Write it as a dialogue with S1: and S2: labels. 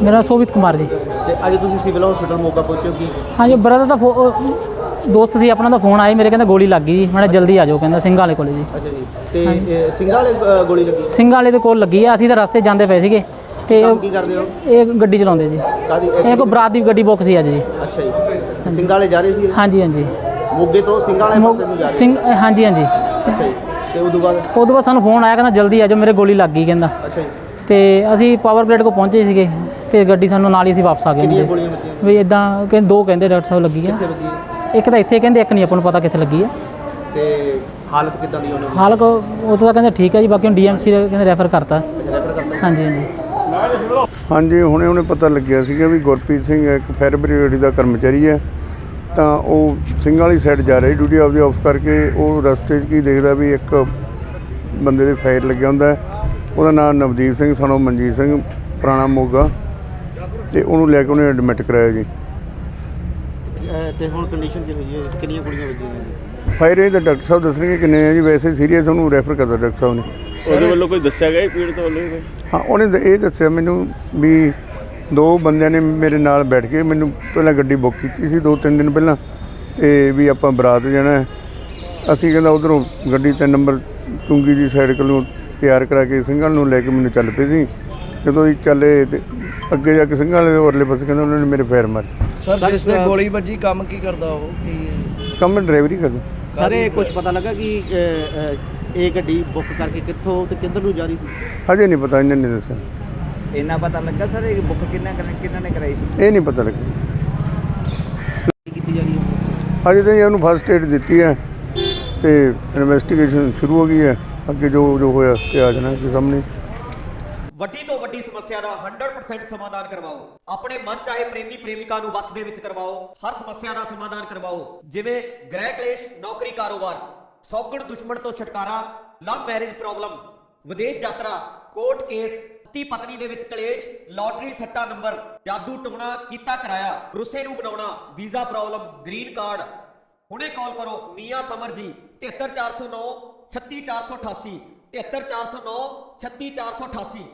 S1: मेरा सोभित कुमार जी।
S2: ਤੇ ਅੱਜ ਤੁਸੀਂ ਸਿਵਲ ਹਸਪੀਟਲ ਮੋਗਾ ਪਹੁੰਚੇ ਹੋ ਕੀ?
S1: हाँ जी ब्रदर का दोस्त सी अपना फोन आया मेरे कहते गोली लग गई जी। मैं जल्दी आ जाओ कहता सिंह वाले कोल जी।
S2: ਅੱਛਾ ਜੀ ਤੇ ਸਿੰਘਾਂ ਵਾਲੇ ਗੋਲੀ ਲੱਗੀ?
S1: सिंह वाले ਦੇ ਕੋਲ ਲੱਗੀ ਆ। ਅਸੀਂ ਤਾਂ ਰਸਤੇ ਜਾਂਦੇ ਪਏ ਸੀਗੇ ਤੇ
S2: ਕੰਮ ਕੀ ਕਰਦੇ ਹੋ?
S1: ਇਹ ਗੱਡੀ ਚਲਾਉਂਦੇ ਜੀ।
S2: ਕਾਦੀ?
S1: ਇਹ ਕੋ ਬਰਾਤ ਦੀ ਗੱਡੀ ਬੁੱਕ ਸੀ ਅੱਜ ਜੀ।
S2: ਅੱਛਾ ਜੀ ਸਿੰਘਾਂ ਵਾਲੇ ਜਾ ਰਹੇ ਸੀ?
S1: ਹਾਂਜੀ ਹਾਂਜੀ
S2: ਮੋਗੇ ਤੋਂ ਸਿੰਘਾਂ ਵਾਲੇ ਪਾਸੇ ਨੂੰ ਜਾ ਰਹੇ?
S1: ਸਿੰਘ ਹਾਂਜੀ ਹਾਂਜੀ।
S2: ਅੱਛਾ ਜੀ ਤੇ ਉਦੋਂ ਬਾਅਦ
S1: ਸਾਨੂੰ ਫੋਨ ਆਇਆ ਕਹਿੰਦਾ ਜਲਦੀ ਆ ਜਾਓ ਮੇਰੇ ਗੋਲੀ ਲੱਗ ਗਈ ਕਹਿੰਦਾ।
S2: ਅੱਛਾ ਜੀ
S1: ਤੇ ਅਸੀਂ ਪਾਵਰ ਪਲੇਟ ਕੋ ਪਹੁੰਚੇ ਸੀਗੇ ਤੇ ਗੱਡੀ ਸਾਨੂੰ ਨਾਲ ਹੀ ਅਸੀਂ ਵਾਪਸ ਆ ਗਏ।
S2: ਕਿੰਨੀਆਂ ਗੋਲੀਆਂ ਵੱਜੀਆਂ?
S1: ਵੀ ਇਦਾਂ ਕਹਿੰਦੇ ਦੋ ਕਹਿੰਦੇ ਡਾਕਟਰ ਸਾਹਿਬ ਲੱਗੀ ਆ।
S2: ਕਿੱਥੇ ਵੱਜੀ ਹੈ?
S1: ਇੱਕ ਤਾਂ ਇੱਥੇ ਕਹਿੰਦੇ ਇੱਕ ਨਹੀਂ ਆਪਾਂ ਨੂੰ ਪਤਾ ਕਿੱਥੇ ਲੱਗੀ ਆ।
S2: ਤੇ ਹਾਲਤ ਕਿੱਦਾਂ ਦੀ ਉਹਨਾਂ ਦੀ?
S1: ਹਾਲ ਕੋ ਉਹ ਤਾਂ ਕਹਿੰਦੇ ਠੀਕ ਹੈ ਜੀ। ਬਾਕੀ ਹੁਣ ਡੀਐਮਸੀ ਕਹਿੰਦੇ ਰੈਫਰ ਕਰਤਾ।
S2: ਰੈਫਰ ਕਰਤਾ?
S1: ਹਾਂਜੀ ਹਾਂਜੀ
S3: ਹਾਂਜੀ ਹੁਣੇ ਪਤਾ ਲੱਗਿਆ ਸੀਗਾ ਵੀ ਗੁਰਪ੍ਰੀਤ ਸਿੰਘ ਇੱਕ ਫਾਇਰ ਬ੍ਰਿਗੇਡ ਦਾ ਕਰਮਚਾਰੀ ਹੈ ਤਾਂ ਉਹ ਸਿੰਘ ਵਾਲੀ ਸਾਈਡ ਜਾ ਰਿਹਾ ਡਿਊਟੀ ਆਪਦੀ ਆਫ ਕਰਕੇ। ਉਹ ਰਸਤੇ 'ਚ ਕੀ ਦੇਖਦਾ ਵੀ ਇੱਕ ਬੰਦੇ ਦੇ ਫਾਇਰ ਲੱਗਿਆ ਹੁੰਦਾ। ਉਹਦਾ ਨਾਮ ਨਵਦੀਪ ਸਿੰਘ ਸਨੋ ਮਨਜੀਤ ਸਿੰਘ ਪੁਰਾਣਾ ਮੋਗਾ ਤੇ ਉਹਨੂੰ ਲੈ ਕੇ ਉਹਨੇ ਐਡਮਿਟ ਕਰਾਇਆ ਜੀ।
S2: ਤੇ ਹੁਣ ਕੰਡੀਸ਼ਨ ਕੀ ਹੋਈ ਹੈ? ਕਿੰਨੀਆਂ ਗੋਲੀਆਂ ਵੱਜੀਆਂ?
S3: ਫਾਇਰ ਇਹ ਤਾਂ ਡਾਕਟਰ ਸਾਹਿਬ ਦੱਸਣਗੇ ਕਿੰਨੇ ਆ ਜੀ। ਵੈਸੇ ਸੀਰੀਅਸ ਉਹਨੂੰ ਰੈਫਰ ਕਰਦਾ ਡਾਕਟਰ ਸਾਹਿਬ ਨੇ।
S4: ਉਹਦੇ ਵੱਲੋਂ ਕੋਈ ਦੱਸਿਆ ਗਿਆ ਪੀੜਤ ਵੱਲੋਂ ਕੋਈ?
S3: ਹਾਂ ਉਹਨੇ ਇਹ ਦੱਸਿਆ ਮੈਨੂੰ ਵੀ ਦੋ ਬੰਦਿਆਂ ਨੇ ਮੇਰੇ ਨਾਲ ਬੈਠ ਕੇ ਮੈਨੂੰ ਪਹਿਲਾਂ ਗੱਡੀ ਬੁੱਕ ਕੀਤੀ ਸੀ 2-3 ਦਿਨ ਪਹਿਲਾਂ ਤੇ ਵੀ ਆਪਾਂ ਬਰਾਤ ਜਾਣਾ। ਅਸੀਂ ਕਹਿੰਦਾ ਉੱਧਰੋਂ ਗੱਡੀ 3 ਨੰਬਰ ਚੁੰਗੀ ਦੀ ਸਾਈਡ ਕੋਲੋਂ ਤਿਆਰ ਕਰਾ ਕੇ ਸਿੰਘਾਂ ਨੂੰ ਲੈ ਕੇ ਮੈਨੂੰ ਚੱਲ ਪਏ ਸੀ। ਜਦੋਂ ਅਸੀਂ ਚੱਲੇ ਤੇ ਅੱਗੇ ਜਾ ਕੇ ਸਿੰਘਾਂ ਵਾਲੇ ਦੇ ਉਰਲੇ ਪਾਸੇ ਕਹਿੰਦਾ ਉਹਨਾਂ ਨੇ ਮੇਰੇ ਫੇਰ ਮਾਰੇ।
S5: ਸਰ ਜਿਸ ਤੇ ਗੋਲੀ ਵੱਜੀ ਕੰਮ ਕੀ ਕਰਦਾ ਉਹ?
S3: ਕੰਮ ਡਰਾਈਵਰੀ ਕਰਦਾ।
S2: ਸਰ ਇਹ ਕੁਝ ਪਤਾ ਲੱਗਾ ਕਿ ਇਹ ਗੱਡੀ ਬੁੱਕ ਕਰਕੇ ਕਿੱਥੋਂ ਤੇ ਕਿੱਧਰ ਨੂੰ ਜਾ ਰਹੀ ਸੀ?
S3: ਹਜੇ ਨਹੀਂ ਪਤਾ, ਇਹਨਾਂ ਨੇ ਦੱਸਿਆ।
S5: ਇੰਨਾ ਪਤਾ ਲੱਗਾ ਸਰ ਇਹ ਬੁੱਕ ਕਿੰਨਾ ਨੇ ਕਰਾਈ ਸੀ?
S3: ਇਹ ਨਹੀਂ ਪਤਾ ਲੱਗਿਆ।
S2: ਕੀਤੀ ਜਾ ਰਹੀ ਹੈ
S3: ਹਜੇ ਤਾਂ ਉਹਨੂੰ ਫਸਟ ਏਡ ਦਿੱਤੀ ਹੈ ਤੇ ਇਨਵੈਸਟੀਗੇਸ਼ਨ ਸ਼ੁਰੂ ਹੋ ਗਈ ਹੈ। ਅੱਗੇ ਜੋ ਹੋਇਆ ਤੇ ਆ ਜਾਣਾ ਜੀ ਸਾਹਮਣੇ।
S6: ਵੱਡੀ ਤੋਂ ਵੱਡੀ ਸਮੱਸਿਆ ਦਾ 100% ਸਮਾਧਾਨ ਕਰਵਾਓ। ਆਪਣੇ ਮਨ ਚਾਹੇ ਪ੍ਰੇਮੀ ਪ੍ਰੇਮਿਕਾ ਨੂੰ ਵਸ ਦੇ ਵਿੱਚ ਕਰਵਾਓ। ਹਰ ਸਮੱਸਿਆ ਦਾ ਸਮਾਧਾਨ ਕਰਵਾਓ, ਜਿਵੇਂ ਗ੍ਰਹਿ ਕਲੇਸ਼, ਨੌਕਰੀ, ਕਾਰੋਬਾਰ, ਸੌਗਣ ਦੁਸ਼ਮਣ ਤੋਂ ਛੁਟਕਾਰਾ, ਲਵ ਮੈਰਿਜ ਪ੍ਰੋਬਲਮ, ਵਿਦੇਸ਼ ਯਾਤਰਾ, ਕੋਰਟ ਕੇਸ, ਪਤੀ ਪਤਨੀ ਦੇ ਵਿੱਚ ਕਲੇਸ਼, ਲਾਟਰੀ ਸੱਟਾ ਨੰਬਰ, ਜਾਦੂ ਟੋਣਾ ਕੀਤਾ ਕਰਾਇਆ, ਰੁੱਸੇ ਨੂੰ ਬਣਾਉਣਾ, ਵੀਜ਼ਾ ਪ੍ਰੋਬਲਮ, ਗ੍ਰੀਨ ਕਾਰਡ। ਹੁਣੇ ਕਾਲ ਕਰੋ ਮੀਆਂ ਸਮਰ ਜੀ 73409 36488 73409 36488।